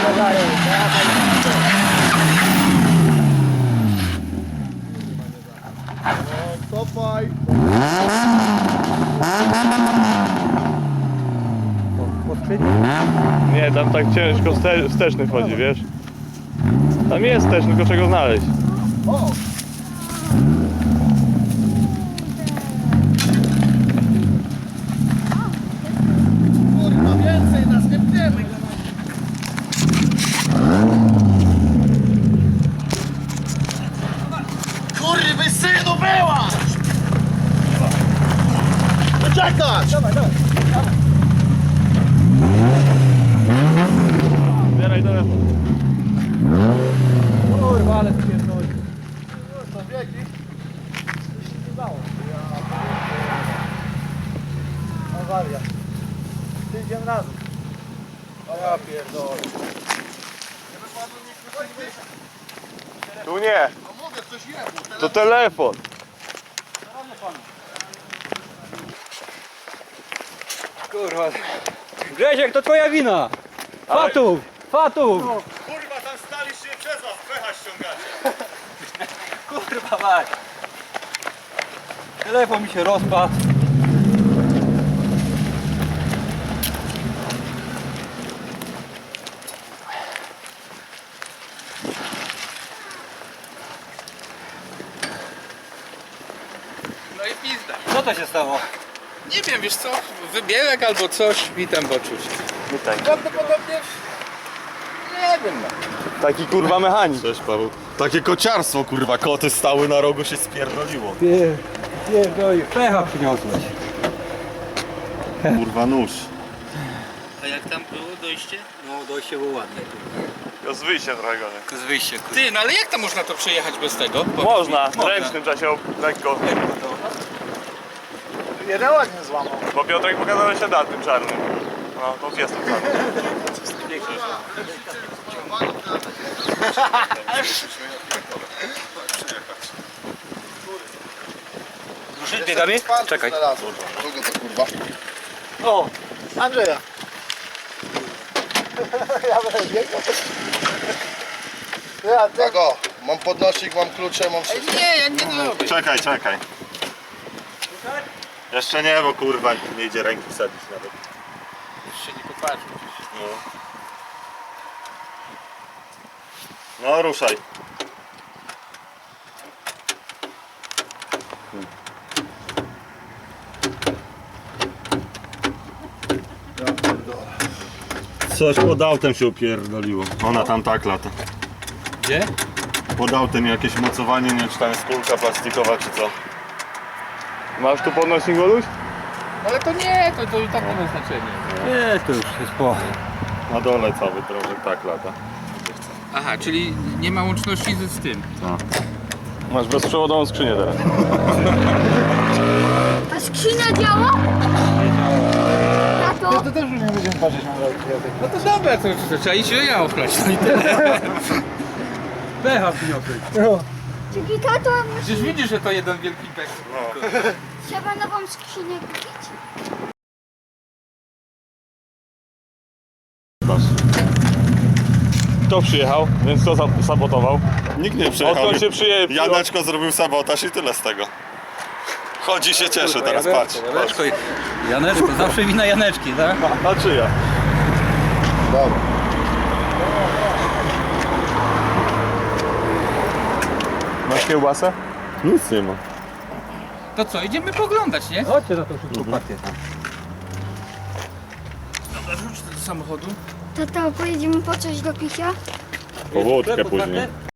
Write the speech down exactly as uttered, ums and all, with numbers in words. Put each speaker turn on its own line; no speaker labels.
Kopaj!
Nie, tam tak ciężko wste, wsteczny wchodzi, wiesz? Tam jest też, tylko czego znaleźć.
O! Kurwa, więcej nas nie pniemy! Kurwy synu była! Poczekać! Dawaj, dawaj.
Zbieraj telefon.
Kurwa, ale spierdoli. To biegi. Coś się nie dało. Awaria. Idziemy razem. O ja pierdolę.
Tu nie,
No mogę, coś jebło.
to telefon.
Kurwa. Grzesiek, to twoja wina! Fatów! Fatów!
Kurwa, tam staliście przez was, pecha ściągacie.
Kurwa mać! Telefon mi się rozpadł.
No i pizda.
Co to się stało?
Nie wiem, wiesz co, wybierek albo coś, witam poczuć. Prawdopodobnie... Nie wiem no.
Taki kurwa mechanik.
Cześć Paweł. Takie kociarstwo kurwa, koty stały na rogu, się spierdoliło.
Pier... Pierdoli, pecha przyniosłeś.
Kurwa nóż.
A jak tam było dojście?
No dojście było ładne.
To z wyjściem trochę gorzej.
Z wyjście, kurwa.
Ty, no ale jak tam można to przejechać bez tego? Bo...
Można, ręcznym trzeba się ob- lekko.
Jeden ładnie złamał.
Bo Piotrek pokazał, że się da tym czarnym. No, to jest tym czarnym.
Ruszyć biegami? Czekaj.
Kogo to kurwa? O! Andrzeja! Ja będę biegał. Ja, ty...
Tego, mam podnośnik, mam klucze, mam wszystko.
Nie, ja nie robię.
Czekaj, czekaj. Jeszcze nie, bo kurwa nie idzie ręki wsadzić nawet.
Już się nie popatrzę.
No, no ruszaj. Coś pod autem się upierdoliło. Ona tam tak lata.
Gdzie?
Pod autem jakieś mocowanie, nie wiem czy tam jest kulka plastikowa czy co.
Masz tu podnośnik, Goluś?
Ale to nie, to, to i tak nie ma znaczenia.
Nie, to już jest po.
Na dole cały drążek tak lata.
Aha, czyli nie ma łączności z, z tym.
Masz bezprzewodową skrzynię teraz.
A skrzynia działa? Tato?
To też już nie będziemy patrzeć na rękę.
No to dobra, to, to trzeba iść ja ochlać. No i tyle.
Pecha przyniosłeś.
Czyli tato,
Przecież widzisz, że to jeden wielki pek.
trzeba nową skrzynię kupić?
Kto przyjechał, więc kto za- sabotował?
Nikt nie przyjechał.
Odkąd się przyje...
Janeczko zrobił sabotaż i tyle z tego. Chodzi się cieszy teraz, patrz. patrz.
Janeczko, Janeczko, zawsze wina Janeczki, tak?
A czyja?
Dobra.
Masz kiełbasę?
Nic nie ma.
To co, idziemy poglądać, nie?
Chodźcie za to szybko pakiet.
Dobra, rzuć do samochodu.
Tato, pojedziemy po coś do picia?
Po wódkę
Sklepu
później.
takie?